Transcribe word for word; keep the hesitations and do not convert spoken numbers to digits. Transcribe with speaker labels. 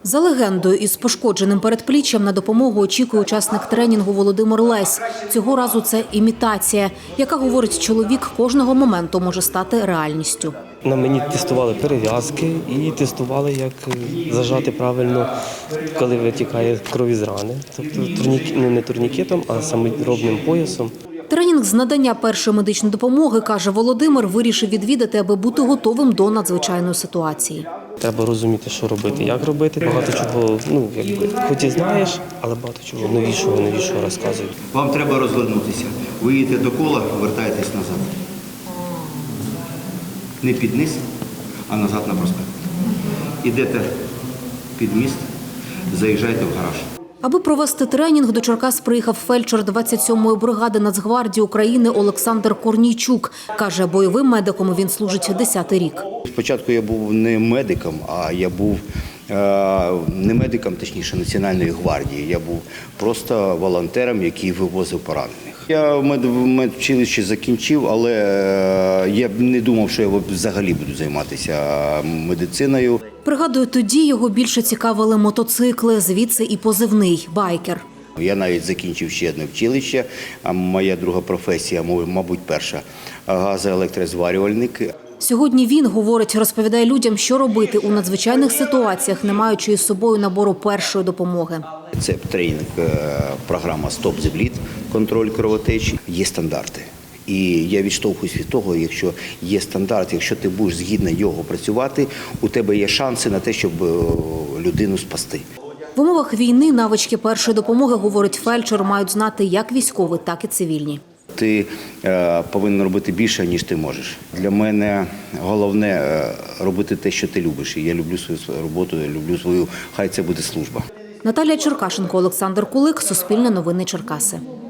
Speaker 1: За легендою, із пошкодженим передпліччям на допомогу очікує учасник тренінгу Володимир Лесь. Цього разу це імітація, яка, говорить чоловік, кожного моменту може стати реальністю.
Speaker 2: На мені тестували перев'язки і тестували, як зажати правильно, коли витікає кров із рани. Тобто турнік, ну, не турнікетом, а саморобним поясом.
Speaker 1: Тренінг з надання першої медичної допомоги, каже Володимир, вирішив відвідати, аби бути готовим до надзвичайної ситуації.
Speaker 2: Треба розуміти, що робити, як робити. Багато чого, ну, якби, хоч і знаєш, але багато чого новішого, новішого розказують.
Speaker 3: Вам треба розвернутися. Ви їдете до кола, вертаєтесь назад. Не під низ, а назад на проспект. Ідете під міст, заїжджайте в гараж.
Speaker 1: Аби провести тренінг, до Черкас приїхав фельдшер двадцять сьомої бригади Нацгвардії України Олександр Корнійчук. Каже, бойовим медиком він служить десятий рік.
Speaker 3: Спочатку я був не медиком, а я був е, не медиком, точніше, Національної гвардії. Я був просто волонтером, який вивозив поранених. Я медучилище закінчив, але я б не думав, що я взагалі буду займатися медициною.
Speaker 1: Пригадую, тоді його більше цікавили мотоцикли, звідси і позивний – байкер.
Speaker 3: Я навіть закінчив ще одне училище, а моя друга професія, мабуть, перша – газоелектрозварювальник.
Speaker 1: Сьогодні він, говорить, розповідає людям, що робити у надзвичайних ситуаціях, не маючи із собою набору першої допомоги.
Speaker 3: Це тренінг, програма «Стоп зе блід», контроль кровотечі. Є стандарти. І я відштовхуюсь від того, якщо є стандарт, якщо ти будеш згідно його працювати, у тебе є шанси на те, щоб людину спасти.
Speaker 1: В умовах війни навички першої допомоги, говорить фельдшер, мають знати як військові, так і цивільні.
Speaker 3: Ти е, повинен робити більше, ніж ти можеш. Для мене головне е, робити те, що ти любиш. І я люблю свою роботу, я люблю свою, хай це буде служба.
Speaker 1: Наталія Черкашенко, Олександр Кулик, Суспільне новини Черкаси.